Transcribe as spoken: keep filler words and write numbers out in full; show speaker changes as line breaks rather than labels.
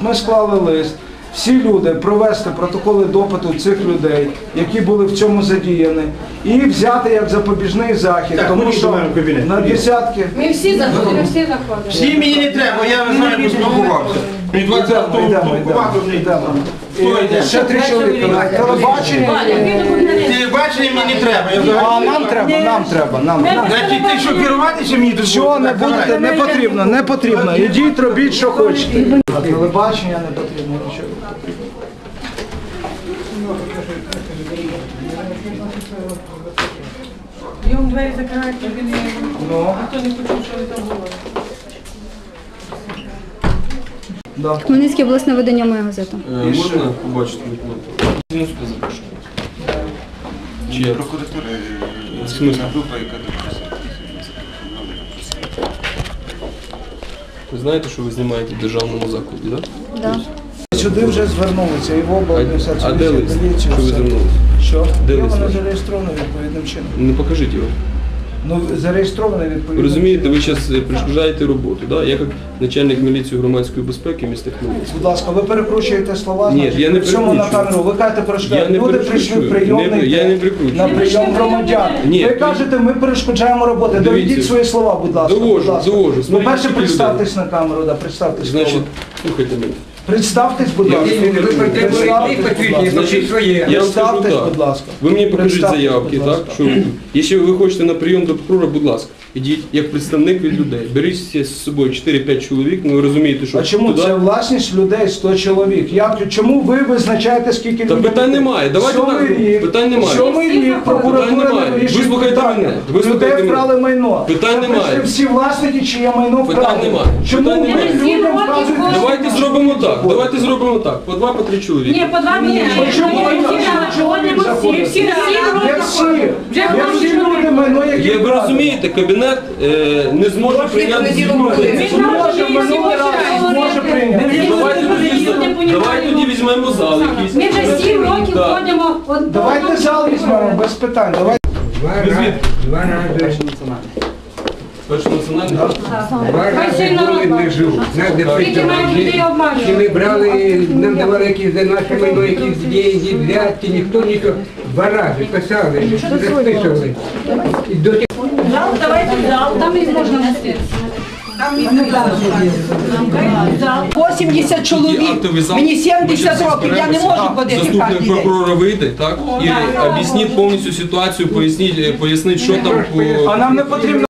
Ми склали лист. Всі люди провести протоколи допиту цих людей, які були в цьому задіяні, і взяти як запобіжний захід,
так,
тому що на десятки...
Ми всі заходимо, ми всі заходимо.
Всі мені не треба, я з вами поспілкувався. Мені двадцятого спілкувався вже.
Ще три чоловіка на телебаченні.
Телебачення мені не треба.
А нам треба, нам треба, нам треба.
Значить, ти що, керувати, чи мені тут?
Що не будете, не потрібно, не потрібно. Ідіть, робіть, що хочете. А телебачення не потрібно, нічого не потрібно.
Йому двері закривають, щоб він
Ну,
ніхто не почув, що ви там говорите.
да.
Хмельницьке обласне видання «Моя газета».
Е, Можна побачити документи? Ну, сюди запрошую. Чи я?
Прокуратура.
В смислі?
Група, яка допустила.
Ви знаєте, що ви знімаєте в державному закладі, так?
Да.
Сюди вже звернулися, і в
А,
обладміністрацію,
а де
і в
лист?
поліцію,
Що ви
все.
звернулися?
Що?
Де
Є
лист
воно
ваш?
зареєстровано відповідним чином.
Не покажіть його.
Ну, зареєстровано відповідним
Ви розумієте,
чином.
ви зараз перешкоджаєте роботу, да? Я як начальник міліції громадської безпеки міста Хмельницького.
Будь ласка, ви перекручуєте слова,
Ні,
значить,
я не
при цьому на
перекручую.
камеру. Ви кажете,
Я
перешкоджаєте.
не
Люди прийшли в
перекручую.
прийомний
Не- я
день
не перекручую.
на прийом громадян.
Ні,
Ви
ви-
кажете, ми перешкоджаємо роботи.
Дивіться.
Доведіть свої слова, будь ласка.
Довожу,
будь ласка.
довожу.
Ну,
Смотрите,
перше,
скільки
представтесь на камеру, да, представтесь.
Значить,
слово.
слухайте мене.
Представтесь, будь
Я-
ласка.
ви
Представтесь, будь ласка.
Значить, я вам скажу
Представтесь,
так.
будь ласка.
Ви мені покажіть
Представтесь,
заявки,
будь
так?
ласка.
Що ви- якщо ви хочете на прийом до прокурора, будь ласка, ідіть як представник від людей. Беріть з собою чотири-п'ять чоловік, ну ви розумієте, що
А чому
туди...
це власність людей сто чоловік? Як, чому ви визначаєте, скільки
Та
людей?
питань немає. Давайте
Сьомий
так,
рік,
питань немає.
Сьомий рік прокуратура
Питань немає.
не вирішує
Вислухайте
питання.
мене. Вислухайте
Людей
мене.
вкрали майно.
Питань
Це
немає.
прийшли всі власники, чиє майно вкрали.
Питань немає.
Чому
Питань
ви
немає.
людям вказуєте?
Давайте зробимо так. Давайте зробимо так. По два, по три чоловіка.
Ні, по два мені.
Чому ви
Заходимо всі, всі
Є всі, є всі люди майно, які
Є, ви
вкрали.
розумієте, кабінет е, не зможе прийняти зміни.
Зможе, минулий раз зможе прийняти.
Давайте тоді, давайте тоді візьмемо зал якийсь.
Ми вже сім років
Так.
ходимо. от-
Давайте зал візьмемо, без питань. Давайте.
Два рази
Перший національний.
Два рази були не живу. Нас де
Скільки мають людей
Чи ми
обманювати?
брали, нам давали якісь за наше майно, якісь деньги, взятки, ніхто нічого. Два рази писали, записували. І до тих
Давайте в зал, там їх можна нести.
вісімдесят чоловік,
Актовий зал.
мені сімдесят
Ми
років, я не
зберемося.
можу ходити
Заступник
кожен день.
прокурора вийде, так? І об'ясніть повністю ситуацію, поясніть, поясніть, що там по...
А нам не потрібно